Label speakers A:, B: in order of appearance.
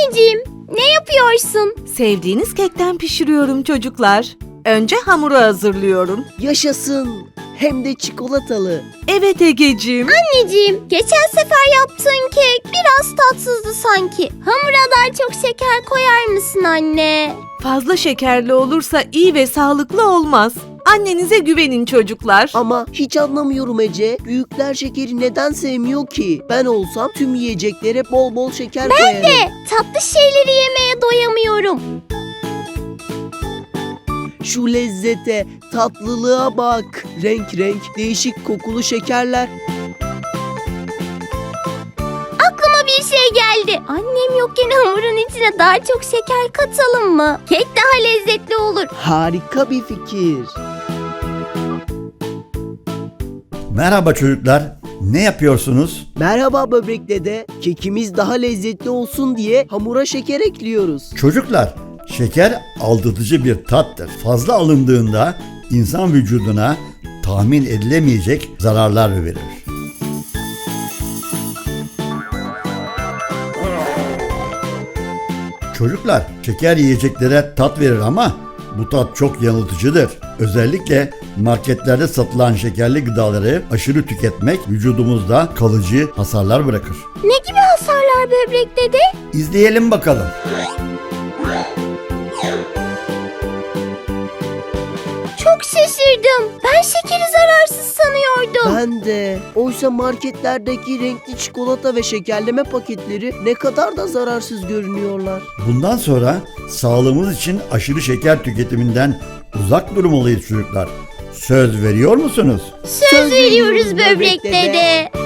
A: Anneciğim, ne yapıyorsun?
B: Sevdiğiniz kekten pişiriyorum çocuklar. Önce hamuru hazırlıyorum.
C: Yaşasın. Hem de çikolatalı.
B: Evet Egeciğim.
A: Anneciğim, geçen sefer yaptığın kek biraz tatsızdı sanki. Hamura daha çok şeker koyar mısın anne?
B: Fazla şekerli olursa iyi ve sağlıklı olmaz. Annenize güvenin çocuklar.
C: Ama hiç anlamıyorum Ece. Büyükler şekeri neden sevmiyor ki? Ben olsam tüm yiyeceklere bol bol şeker koyarım.
A: Tatlı şeyleri yemeye doyamıyorum.
C: Şu lezzete, tatlılığa bak. Renk renk, değişik kokulu şekerler.
A: Aklıma bir şey geldi. Annem yokken hamurun içine daha çok şeker katalım mı? Kek daha lezzetli olur.
C: Harika bir fikir.
D: Merhaba çocuklar. Ne yapıyorsunuz?
C: Merhaba böbrek dede. Kekimiz daha lezzetli olsun diye hamura şeker ekliyoruz.
D: Çocuklar, şeker aldatıcı bir tattır. Fazla alındığında insan vücuduna tahmin edilemeyecek zararlar verir. Çocuklar, şeker yiyeceklere tat verir ama bu tat çok yanıltıcıdır. Özellikle marketlerde satılan şekerli gıdaları aşırı tüketmek vücudumuzda kalıcı hasarlar bırakır.
A: Ne gibi hasarlar böbrek dede?
D: İzleyelim bakalım.
A: Çok şaşırdım. Ben şekeri zararsız sanıyordum.
C: Ben de. Oysa marketlerdeki renkli çikolata ve şekerleme paketleri ne kadar da zararsız görünüyorlar.
D: Bundan sonra sağlığımız için aşırı şeker tüketiminden uzak durmalıyız çocuklar. Söz veriyor musunuz?
A: Söz veriyoruz böbrek dede.